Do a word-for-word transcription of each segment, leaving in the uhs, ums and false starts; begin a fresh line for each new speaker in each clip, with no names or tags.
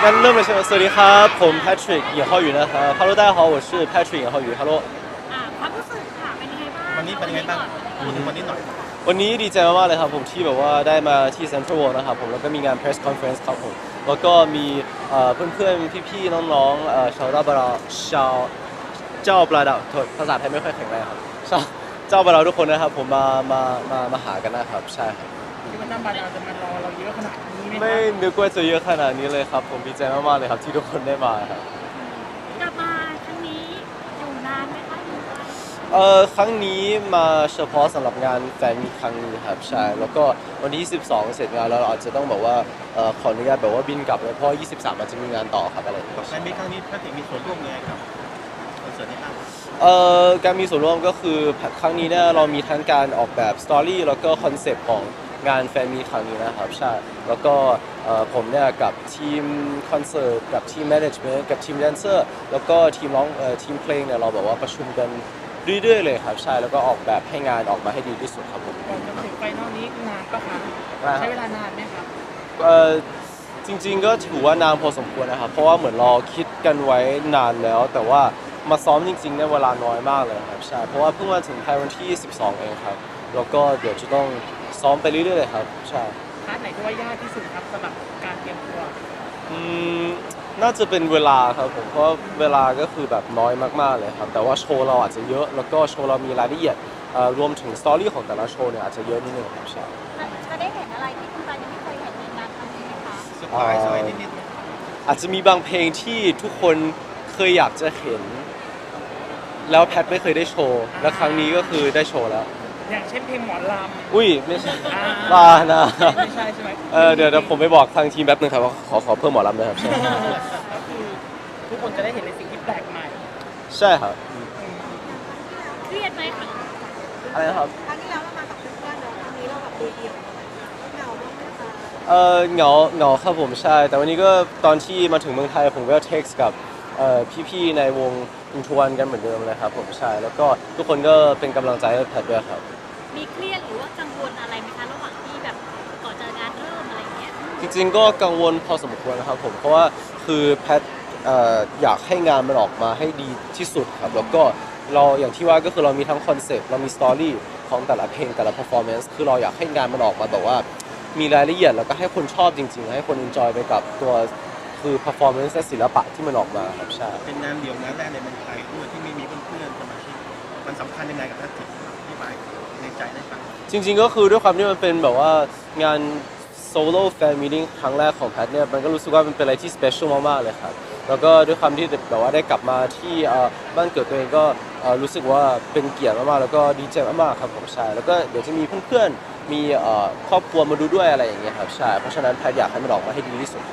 งั้นเริ่มเลยใช่ไหมสวัสดีครับผม Patrick 尹浩宇นะครับ Hello 大家好我是 Patrick 尹浩宇 Hello
อ่าความรู้สึกค่ะเป็นยังไงบ้าง
วันนี้เป็นยังไงบ้างพูดถึงวันนี้หน่อย
วันนี้ดีใจมากๆเลยครับผมที่แบบว่าได้มาที่ Central World นะครับผมแล้วก็มีงาน Press Conference ครับผมแล้วก็มีเพื่อนๆพี่ๆน้องๆชาวเจ้าบราชาวเจ้าบราดาวภาษาไทยไม่ค่อยแข็งแรงครับชาวเจ้าบราทุกคนนะครับผมมามามามาหากันนะครับใช่ครับ
คิดว่าเจ้าบาดาลจะมารอเราเยอะขนาดนี้ไหม
ไม่นึกว่าจะเยอะขนาดนี้เลยครับผมดีใจมากๆเลยครับที่ทุกคนได้มาครับ
กลับมาครั้งนี้อยู่นานไหมคะอยู่ไกล
เอ่อครั้งนี้มาเฉพาะสำหรับงานแฟนมีตครั้งนี้ครับใช่แล้วก็วันที่ยี่สิบสองเสร็จงานแล้วเราอาจจะต้องแบบว่าเอ่อขออนุญาตแบบว่าบินกลับเลยเพราะยี่สิบสามอาจจะมีงานต่อครับอะไรอย่างเงี้ย
ในมีครั้งนี้พระเอกมีส่วนร่วมยังไงครับคอนเสิร์ตนี้บ้าง
เอ่อการมีส่วนร่วมก็คือครั้งนี้เนี่ยเรามีทั้งการออกแบบสตอรี่แล้วก็คอนเซปต์ของงานแฟนมีตครั้งนี้นะครับใช่แล้วก็เอ่อผมเนี่ยกับทีมคอนเสิร์ตกับทีมแมネจเมนต์กับทีมแดนเซอร์แล้วก็ทีมร้องเอ่อทีมเพลงเนี่ยเราแบบว่าประชุมกันเรื่อยๆเลยครับใช่แล้วก็ออกแบบให้งานออกมาให้ดีที่สุดครับผม
ก่อนจะถึงไฟนอลนี้นานปะคะใช้เวลานานไหมครับ
เอ่อจริงๆก็ถือว่านานพอสมควรนะครับเพราะว่าเหมือนเราคิดกันไว้นานแล้ว แต่ว่ามาซ้อมจริงๆเนี่ยเวลาน้อยมากเลยครับใช่เพราะว่าเพิ่งมาถึงไทยวันที่สิบสองเองครับแล้วก็เดี๋ยวจะต้องซ้อมไปเรื่อยๆเลยครับใช่
พาร์ทไหนที่ว่ายากที่สุดครับสำหรับการเตรียมตัว
อืมน่าจะเป็นเวลาครับผมเพราะเวลาก็คือแบบน้อยมากๆเลยครับแต่ว่าโชว์เราอาจจะเยอะแล้วก็โชว์เรามีรายละเอียดเอ่อรวมถึงสตอรี่ของแต่ละโชว์เนี่ยอาจจะเยอะนิดนึงครับใช่
จะได้เห็นอะไรที่คุณตายังไม่เคยเห็นในงานครั้งนี้ไหมคะ
เซอร์ไพรส์อะไรนิดๆไหม
อาจจะมีบางเพลงที่ทุกคนเคยอยากจะเห็น แล้วแพทไม่เคยได้โชว์ และครั้งนี้ก็คือได้โชว์แล้ว
อย่างเช่นเพลงหมอลำ
อุ้ยไม่ใช่
อ่า
บ้านะ
ไม่ใช่ใช่ไหม
เออเดี๋ยวเดี๋ยวผมไปบอกทางทีมแป๊บนึงครับว่าขอขอเพิ่มหมอลำด้วยครับ ใช่
ก็คือทุกคนจะได้เห็นในสิ่งที่แปลกใหม่
ใช่ครับ
เครียดไหมคะ
อะไรนะครับ
ครั้งที่แล้วเรามากับเพื่อนๆเนอะครั้งนี้เราแบบเดี่ยวๆเหงาบ้างไหมคะ
เออเหงาเหงาครับผมใช่ แต่วันนี้ก็ตอนที่มาถึงเมืองไทยผมก็เท็กซ์กับเอ่อพี่ๆในวงอินทวนกันเหมือนเดิมเลยครับผมใช่แล้วก็ทุกคนก็เป็นกำลังใจให้แพทด้วยครับ
มีเครียดหรือว่ากังวลอะไรไหมคะระหว่างที่แบบก่อนจะงานเริ่มอะไรอย่างเงี้ย
จริงๆก็กังวลพอสมควรนะครับผมเพราะว่าคือแพทเอ่ออยากให้งานมันออกมาให้ดีที่สุดครับแล้วก็เราอย่างที่ว่าก็คือเรามีทั้งคอนเซปต์เรามีสตอรี่ของแต่ละเพลงแต่ละ performance คือเราอยากให้งานมันออกมาแบบว่ามีรายละเอียดแล้วก็ให้คนชอบจริงๆให้คน enjoy ไปกับตัวคือ performance และศิลปะที่มันออกมาครับใช่
เป็นงานเดี่ยวงานแรกในเมืองไทยด้วยที่ไม่มีเพื่อนๆสมาชิกมันสำคัญยังไงกับพระเอกที่ไปในใจได้ฟัง
จริงๆก็คือด้วยความที่มันเป็นแบบว่างานโซโล่แฟนมีติ้งครั้งแรกของแพทเนี่ยมันก็รู้สึกว่ามันเป็นอะไรที่สเปเชียลมากๆเลยครับแล้วก็ด้วยความที่แบบว่าได้กลับมาที่เอ่อบ้านเกิดตัวเองก็เอ่อรู้สึกว่าเป็นเกียรติมากๆแล้วก็ดีใจมากๆครับผมใช่แล้วก็เดี๋ยวจะมีเพื่อนๆมีเอ่อครอบครัวมาดูด้วยอะไรอย่างเงี้ยครับใช่เพราะฉะนั้นแพทอยากให้มันออกมาให้ดีที่สุด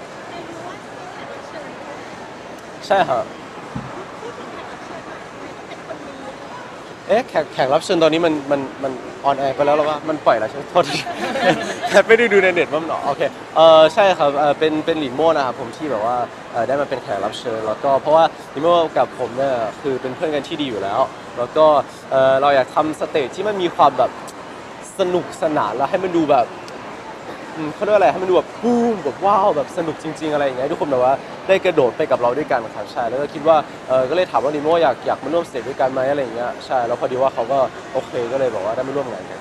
ใช่ครับเอ๊ะแขกแขกรับเชิญตอนนี้มันมันมันออนแอร์ไปแล้วหรือว่ามันปล่อยแล้วใช่ไหมโทษที แพทไม่ได้ดูในเน็ตว่ามันออกโอเคเออใช่ครับเออเป็นเป็นหลินโม่นะครับผมที่แบบว่าเออได้มาเป็นแขกรับเชิญแล้วก็เพราะว่าหลินโม่กับผมเนี่ยคือเป็นเพื่อนกันที่ดีอยู่แล้ว แล้วก็เออเราอยากทำสเตจที่มันมีความแบบสนุกสนานแล้วให้มันดูแบบอืมเขาเรียกว่าอะไรให้มันดูแบบบูมแบบว้าวแบบสนุกจริง ๆอะไรอย่างเงี้ยทุกคนแบบว่าได้กระโดดไปกับเราด้วยกันครับใช่แล้วก็คิดว่าเออก็เลยถามว่าหลินโม่อยากอยากมาร่วมสเตจด้วยกันไหมอะไรอย่างเงี้ยใช่แล้วพอดีว่าเขาก็โอเคก็เลยบอกว่าได้มาร่วมงานกัน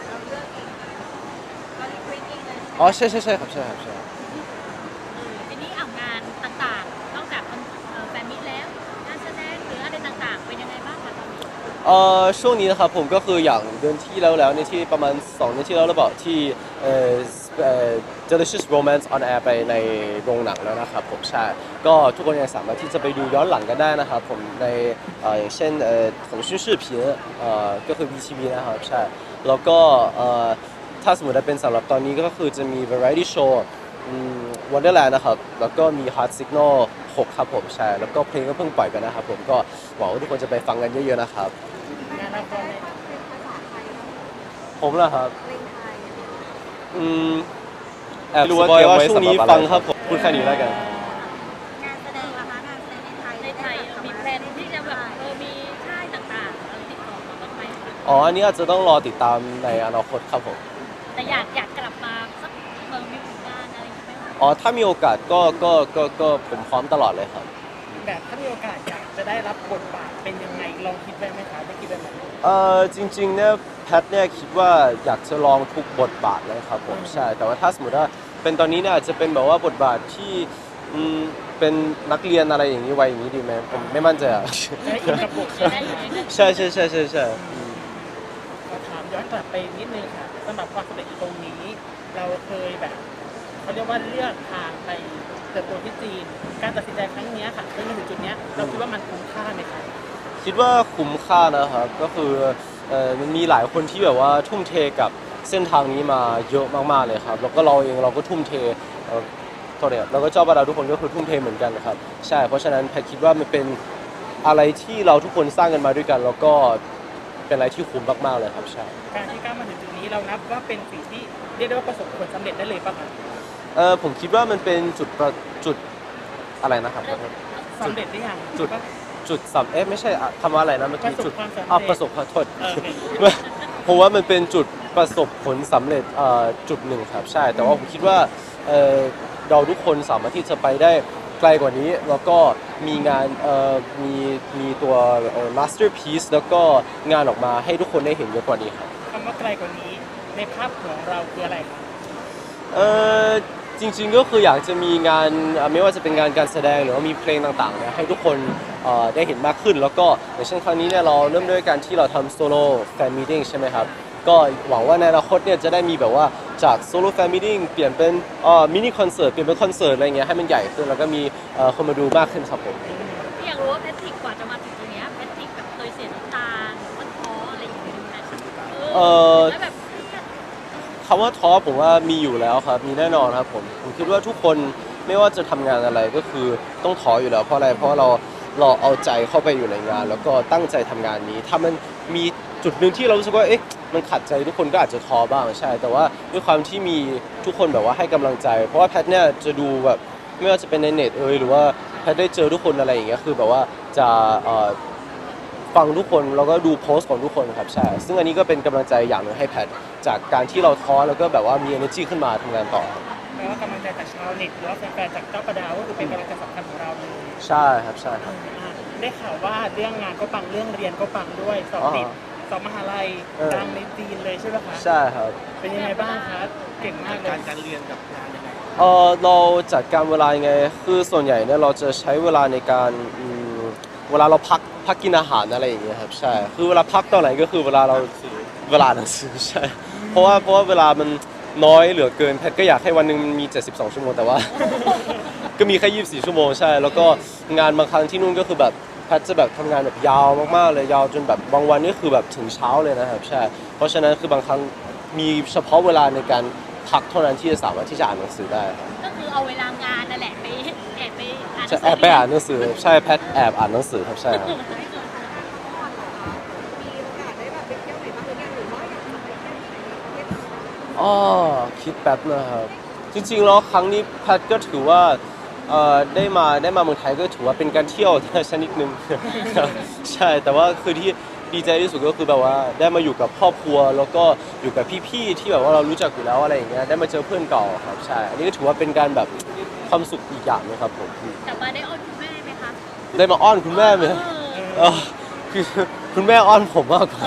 เราเลือกเองเรารีเควสเองเลย
อ๋อใช่ใช่ใช่ครับใช่ครับใช่
ทีนี้อ่างานต่างๆนอกจากเอ่อแฟนมิตแล้วงานแสดงหรืออะไรต่างๆ เป็นยังไงบ้างคะตอนนี้
เอ่อช่วงนี้นะครับผมก็คืออย่างเดือนที่แล้วแล้วในยที่ประมาณสองเดือนที่แล้วหรือเปล่าที่เอ่อเอ่อ Delicious Romance on Air ไปในโรงหนังแล้วนะครับผมใช่ก็ทุกคนยังสามารถที่จะไปดูย้อนหลังกันได้นะครับผมในเอ่ออย่างเช่นเอ่อ腾讯视频เอ่อก็คือ วี ที วี นะครับใช่แล้วก็เอ่อถ้าสมมติว่าเป็นสำหรับตอนนี้ก็คือจะมี Variety Show อืม Wonderland นะครับแล้วก็มี Heart Signal หกครับผมใช่แล้วก็เพลงก็เพิ่งปล่อยไปนะครับผมก็หวังว่าทุกคนจะไปฟังกันเยอะๆนะครับ
งานละครใน
เป็นภาษาไทยเนอะ
ผมเหรอครับ
เพลงไทย
อืมแอบรู้ว่าเตรียมไว้สำหรับอะไรฟังครับผมพูดแค่นี้แล้วกัน
งานแสดงล่ะคะงานแสดงในไทย
ในไทยมีแพลนที่จะแบบเออมีค่ายต่างๆอะไรติดต่อมาบ้างไหมคะ
อ๋อ อันนี้อาจจะต้องรอติดตามในอนาคตครับผม
แต่อยากอยากกลับมาสักเมืองมีผลงานอะไรอย่างเงี้ยไหมคะ
อ๋อถ้ามีโอกาสก็ก็ก็ก็ผมพร้อมตลอดเลยครับ
แบบถ้ามีโอกาสอยากจะได้รับบทบาทเป็นยังไงลองคิดไว้ไหมคะได้คิดไว้ไหม
เอ่อจริงๆเนี่ยแพทเนี่ยคิดว่าอยากจะลองทุกบทบาทเลยครับผมใช่แต่ว่าถ้าสมมติว่าเป็นตอนนี้เนี่ยอาจจะเป็นแบบว่าบทบาทที่อืมเป็นนักเรียนอะไรอย่างนี้ไว้อย่างนี้ดีไหมผมไม่มั่นใจอ่ะ
จะได้อินกับบท
จะได้อยู่ในนั้น
ใช่ใช่ใช่ใช่ใช่อืม
ขอถามย้อนกลับไปนิดนึงค่ะสำหรับความสำเร็จตรงนี้ เราเคยแบบเขาเรียกว่าเลือกทางไปเติบโตที่จีน การตัดสินใจครั้งเนี้ยค่ะจนมาถึงจุดเนี้ยเราคิดว่ามันคุ้มค่าไหมคะ
คิดว่าคุ้มค่านะครับก็คือเอ่อมันมีหลายคนที่แบบว่าทุ่มเทกับเส้นทางนี้มาเยอะมากๆเลยครับแล้วก็เราเองเราก็ทุ่มเทเอ่อโทษเนี่ยเราก็เจ้าบาดาทุกคนก็คือทุ่มเทเหมือนกันนะครับใช่เพราะฉะนั้นแพทคิดว่ามันเป็นอะไรที่เราทุกคนสร้างกันมาด้วยกัน แล้วก็เป็นอะไรที่คุ้มมากๆเลยครับใช่
การที่ก้าวมาถึงจุดนี้เรานับว่าเป็นสิ่งที่เรียกได้ว่าประสบผลสำเร็จได้เลยป่ะคะ
เออผมคิดว่ามันเป็นจุดประจุดอะไรนะครับขอโทษ
สำเร็จหรือยัง
จุด จุดสำเอ๊ะไม่ใช่อะคำว่าอะไรนะเมื่อ
ประ
กี้
สบ
จุด
ความสำเร็จ
อ่ะประสบขอโทษ
เออโอเค
ผมว่ามันเป็นจุดประสบผลสำเร็จเอ่อจุดหนึ่งครับใช่แต่ว่าผมคิดว่าเอ่อเราทุกคนสามารถที่จะไปได้ไกลกว่านี้ แล้วก็มีงานเอ่อมีมีตัวเอ่อ masterpiece แล้วก็งานออกมาให้ทุกคนได้เห็นเยอะกว่านี้ครับ
คำว่าไกลกว่านี้ในภาพของเราคืออะไรคะ
เออจริงๆก็คืออยากจะมีงานเอ่อไม่ว่าจะเป็นงานการแสดงหรือว่ามีเพลงต่างๆเนี่ยให้ทุกคนเอ่อได้เห็นมากขึ้น แล้วก็อย่างเช่นครั้งนี้เนี่ยเราเริ่มด้วยการที่เราทำโซโล่แฟนมีติ้งใช่ไหมครับก็หวังว่าในอนาคตเนี่ยจะได้มีแบบว่าจากโซโล่แฟนมีติ้งเปลี่ยนเป็นเอ่อมินิคอนเสิร์ตเปลี่ยนเป็นคอนเสิร์ตอะไรเงี้ยให้มันใหญ่ขึ้นแล้วก็มีเอ่อคนมาดูมากขึ้นครับผม
ที่อยากรู้ว่าแพทริกกว่าจะมาถึงตรงเนี้ยแพทริกแบบเคยเสียน้ำตาหรือว่าท้ออะไรอย่างเงี้ยไหม
เอ่อ
แล้วแบบ
คำว่าท้อผมว่ามีอยู่แล้วครับมีแน่นอนครับผมผมคิดว่าทุกคนไม่ว่าจะทำงานอะไรก็คือต้องท้ออยู่แล้วเพราะอะไรเพราะเราเราเอาใจเข้าไปอยู่ในงาน แล้วก็ตั้งใจทำงานนี้ถ้ามันมีจุดหนึ่งที่เรารู้สึกว่าเอ๊ะมันขัดใจทุกคนก็อาจจะท้อบ้างใช่ แต่ว่าด้วยความที่มีทุกคนแบบว่าให้กำลังใจ เพราะว่าแพทเนี่ยจะดูแบบไม่ว่าจะเป็นในเน็ตเอยหรือว่าแพทได้เจอทุกคนอะไรอย่างเงี้ยคือแบบว่าจะเอ่อ ฟังทุกคนแล้วก็ดูโพสต์ของทุกคนครับใช่ซึ่งอันนี้ก็เป็นกำลังใจอย่างหนึ่งให้แพทจากการที่เราท้อแล้วก็แบบว่ามี energy ขึ้นมาทำงานต่อครับ
แปลว่ากำลังใจจากชาวเน็ตหรือว่าแฟนๆจากเจ้าประดาวก็คือเป็นกำลังใจสำคัญของเราเลย
ใช่ครับใช่ครับ
อ่าได้ข่าวว่าเรื่องงานก็ปังเรื่องเรียนก็ปังด้วยสอบติด
อ๋อ
สอบมหาลัย
เออ
ดังในจีนเลยใช่ไหมคะ
ใช่ครับ
เป็นยังไงบ้างคะเก่งมากเล
การ
ย
การเรียนกับงานยังไง
เออเราจัดการเวลายังไงคือส่วนใหญ่เนี่ยเราจะใช้เวลาในการอืมเวลาเราพักพักกินอาหารอะไรอย่างเงี้ยครับใช่คือเวลาพักตอนไหนก็คือเวลาเราเวลาหนังสือใช่เพราะว่าเพราะว่าเวลามันน้อยเหลือเกินแพทก็อยากให้วันหนึ่งมันมี เจ็ดสิบสอง ชั่วโมงแต่ว่า ก็มีแค่ ยี่สิบสี่ ชั่วโมงใช่ แล้วก็งานบางครั้งที่นู่นก็คือแบบแพทจะแบบทำงานแบบยาวมากๆเลยยาวจนแบบบางวันนี่คือแบบถึงเช้าเลยนะครับใช่ เพราะฉะนั้นคือบางครั้งมีเฉพาะเวลาในการพักเท่านั้นที่จะสามารถที่จะอ่านหนังสือได้ครับ
ก็คือเอาเวลางานนั่นแหละไปแอบไปอ่านหนั
จะ
งสื
แอบไปอ่านหนังสือใช่แพทแอบอ่านหนังสือครับใช่ครับ
มีโอกาสได้แบบไปเที่ยวไหนบ้างหรือยังหรือว่าอยากจะไปเที่ยวที่ไหนในประเทศไทย
อ๋อคิดแป๊บนะครับจริงๆแล้วครั้งนี้แพทก็ถือว่าเอ่อได้มาได้มาเมืองไทยก็ถือว่าเป็นการเที่ยว ชนิดหนึ่ง ใช่แต่ว่าคือที่ดีใจที่สุดก็คือแบบว่าได้มาอยู่กับครอบครัว แล้วก็อยู่กับพี่ๆที่แบบว่าเรารู้จักอยู่แล้วอะไรอย่างเงี้ยได้มาเจอเพื่อนเก่าครับใช่อันนี้ก็ถือว่าเป็นการแบบความสุขอีกอย่างนะครับผม
กลับมาได้อ้อนคุณแม่ไหมคะ
ได้มาอ้อนคุณแม่ไหม
เออ
เออคือคุณแม่อ้อนผมมากกว่า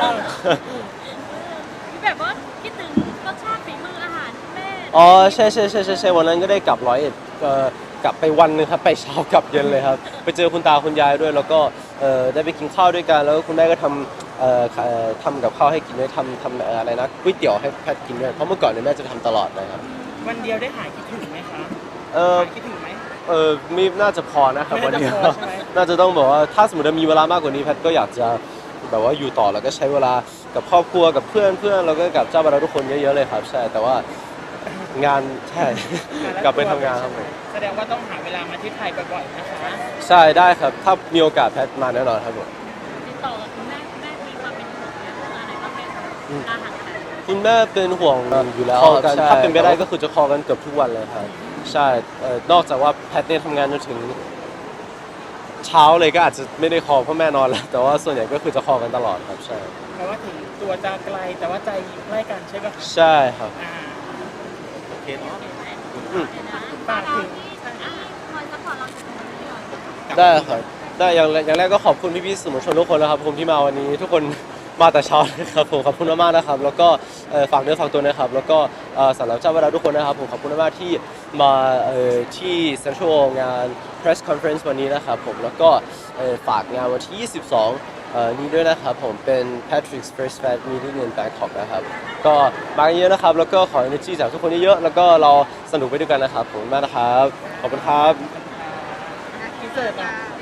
คือแบบว่าคิดถึงรสชาติฝีมืออาหารคุณแม่
อ๋อใช่ใช่ใช่ใช่ใช่วันนั้นก็ได้กลับร้อยเอ็ดเอ่อกลับไปวันหนึงครับไปเช้ากลับเย็นเลยครับไปเจอคุณตาคุณยายด้วยแล้วก็เอ่อได้ไปกินข้าวด้วยกันแล้วก็คุณแม่ก็ทำเอ่อเอ่อทำกับข้าวให้กินด้วยทำทำเอ่ออะไรนะก๋วยเตี๋ยวให้แพทกินด้วยเพราะเมื่อก่อนเนี่ยแม่จะทำตลอดนะครับ
วันเดียวได้หายคิดถึงไหมคะ
เออ
หายคิดถึงไหม
เออไม่น่าจะพอนะครับ
ไม่
วัน
น่าจะ
เดียว
พอใช่ไหม
น่าจะต้องบอกว่าถ้าสมมติว่ามีเวลามากกว่านี้แพทก็อยากจะแบบว่าอยู่ต่อแล้วก็ใช้เวลากับครอบครัวกับเพื่อนเพื่อนแล้วก็กับเจ้าบรรดาทุกคนเยอะๆเลยครับใช่แต่ว่างานใช่ กลับไปทำงานครับผม
แสดงว่าต้องหาเวลามาที่ไทยบ่อยๆนะคะ
ใช่ได้ครับ ถ้ามีโอกาสแพทมาแน่นอนครับผม
ติดต่อกับคุณแม่คุณแม่มีความเป็นห่วงเรื่องอะไรบ้างไหมคะอาหารอะไร
คุณแม่เป็นห่วงอยู่แล้วกันถ้าเป็นไปได้ก็คือจะคอกันเกือบทุกวันเลยครับใช่เอ่อนอกจากว่าแพทเนี่ยทำงานจนถึงเช้าเลยก็อาจจะไม่ได้คอเพราะแม่นอนแล้ว แต่ว่าส่วนใหญ่ก็คือจะคอกันตลอดครับใช่
แปลว่าถึงตัวจะไกลแต่ว่าใจอยู่ใกล้กันใช่ไหมคะ
ใช่ครับ
อ่า
โอเคเนาะ
โ
อืม
เดี๋ยวนะ
ฝากถึง
อ่ะคอยซัพพอร์ตเราจากตรงนี้หน่อย
ได้ครับได้อย่างอย่างแรกก็ขอบคุณพี่ๆสื่อมวลชนทุกคนนะครับผมที่มาวันนี้ทุกคนมาแต่เช้านะครับผมขอบคุณมากๆนะครับแล้วก็เอ่อฝากเนื้อฝากตัวนะครับแล้วก็เอ่อสำหรับเจ้าเวลาทุกคนนะครับผมขอบคุณมากๆที่มาเอ่อที่ Central งาน Press Conference วันนี้นะครับผมแล้วก็เอ่อฝากงานวันที่ยี่สิบสองเอ่อนี้ด้วยนะครับผมเป็น Patrick's First Fan Meeting in Bangkok นะครับก็มากันเยอะนะครับแล้วก็ขอ energy จากทุกคนเยอะๆแล้วก็เราสนุกไปด้วยกันนะครับผมมากนะครับขอบคุณครับ
อินเสิร์ตนะ